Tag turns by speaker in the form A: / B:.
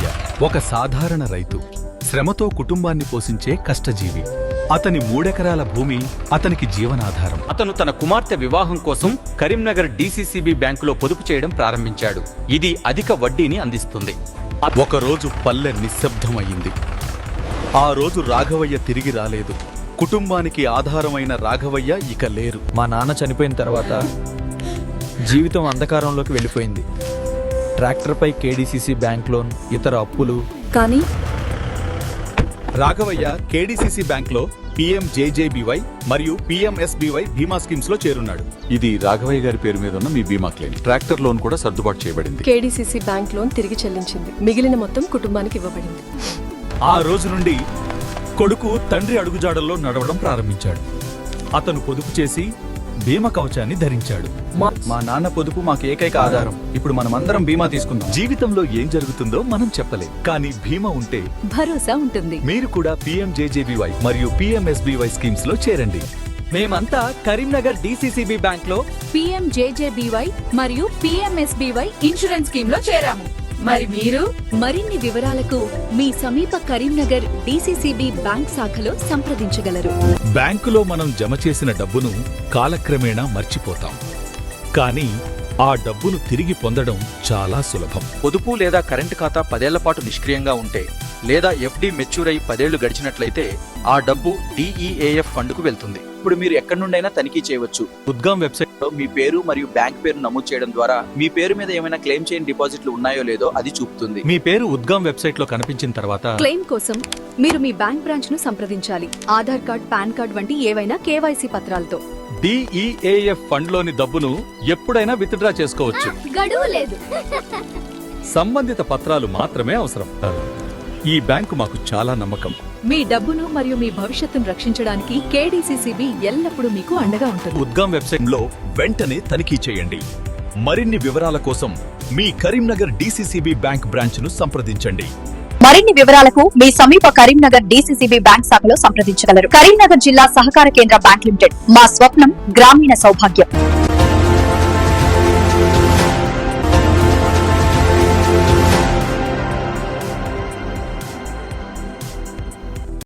A: రాఘవయ్య ఒక సాధారణ రైతు, శ్రమతో కుటుంబాన్ని పోషించే కష్టజీవి. అతని 3 ఎకరాల భూమి అతనికి జీవనాధారం.
B: అతను తన కుమార్తె వివాహం కోసం కరీంనగర్ డీసీసీబీ బ్యాంకులో పొదుపు చేయడం ప్రారంభించాడు. ఇది అధిక వడ్డీని అందిస్తుంది.
A: ఒకరోజు పల్లె నిశ్శబ్దమయ్యింది. ఆ రోజు రాఘవయ్య తిరిగి రాలేదు. కుటుంబానికి ఆధారమైన రాఘవయ్య ఇక లేరు.
C: మా నాన్న చనిపోయిన తర్వాత జీవితం అంధకారంలోకి వెళ్ళిపోయింది. ట్రాక్టర్పై కేడీసీసీ బ్యాంక్ లోన్, ఇతర అప్పులు.
D: కానీ
A: రాఘవయ్య కేడీసీసీ బ్యాంక్ లో PMJJBY మరియు PMSBY బీమా స్కీమ్స్ లో చేరున్నాడు. ఇది రాఘవయ్య గారి పేరు మీద ఉన్న మీ బీమా క్లెయిమ్. ట్రాక్టర్ లోన్ కూడా సర్దుబాటు చేయబడింది.
D: కేడీసీసీ బ్యాంక్ లోన్ తిరిగి చెల్లించింది. మిగిలిన మొత్తం కుటుంబానికి ఇవ్వబడింది.
A: ఆ రోజు నుండి కొడుకు తండ్రి అడుగుజాడల్లో నడవడం ప్రారంభించాడు. అతను పొదుపు చేసి బీమా కవచాన్ని ధరించాడు.
C: మా నాన్న పొదుపు మాకు ఏకైక ఆధారం. ఇప్పుడు మనమందరం బీమా తీసుకుందాం.
A: జీవితంలో ఏం జరుగుతుందో మనం చెప్పలేం, కానీ బీమా ఉంటే
D: భరోసా ఉంటుంది.
A: మీరు కూడా PMJJBY మరియు PMSBY స్కీమ్స్ లో చేరండి.
C: మేమంతా కరీంనగర్ డీసీసీబీ బ్యాంక్ లో
E: PMJJBY మరియు PMSBY ఇన్సూరెన్స్ స్కీమ్ లో చేరాము. మరి మీరు
D: మరిన్ని వివరాలకు మీ సమీప కరీంనగర్ డీసీసీబీ బ్యాంక్ శాఖలో సంప్రదించగలరు.
A: బ్యాంకులో మనం జమ చేసిన డబ్బును కాలక్రమేణా మర్చిపోతాం, కానీ ఆ డబ్బును తిరిగి పొందడం చాలా సులభం.
B: పొదుపు లేదా కరెంటు ఖాతా 10 ఏళ్ల పాటు నిష్క్రియంగా ఉంటే, లేదా FD మెచ్యూర్ అయి 10 ఏళ్లు గడిచినట్లయితే ఆ డబ్బు DEAF ఫండ్కు వెళ్తుంది.
C: ఇప్పుడు మీరు ఎక్కడి నుండైనా తనిఖీ చేయవచ్చు.
A: ఉద్గమ్ వెబ్సైట్
C: లో మీ పేరు మరియు బ్యాంక్ పేరు నమోదు చేయడం ద్వారా మీ పేరు మీద ఏమైనా క్లెయిమ్ చేయని డిపాజిట్లు ఉన్నాయో లేదో అది చూపుతుంది.
A: మీ పేరు ఉద్గమ్ వెబ్సైట్ లో కనిపించిన తర్వాత
D: క్లెయిమ్ కోసం మీరు మీ బ్యాంక్ బ్రాంచ్ ను సంప్రదించాలి. ఆధార్ కార్డ్, పాన్ కార్డ్ వంటి ఏవైనా KYC పత్రాలతో.
A: DEAF ఫండ్ లోని డబ్బును ఎప్పుడైనా విత్డ్రా చేసుకోవచ్చు.
E: గడువు లేదు.
A: సంబంధిత పత్రాలు మాత్రమే అవసరం. ఈ బ్యాంకు మాకు చాలా నమ్మకం.
D: మీ డబ్బును మరియు మీ భవిష్యత్తును రక్షించడానికి కేడీసీసీబీ ఎల్లప్పుడూ మీకు అండగా ఉంటుంది.
A: ఉద్గమ్ వెబ్సైట్ లో వెంటనే తనిఖీ చేయండి. మరిన్ని వివరాల కోసం మీ కరీంనగర్ DCCB బ్యాంక్ బ్రాంచ్ ను సంప్రదించండి.
F: మరిన్ని వివరాలకు మీ సమీప కరీంనగర్ డీసీసీబీ బ్యాంక్ శాఖలో సంప్రదించగలరు. కరీంనగర్ జిల్లా సహకార కేంద్ర బ్యాంక్ లిమిటెడ్. మా స్వప్నం గ్రామీణ సౌభాగ్యం.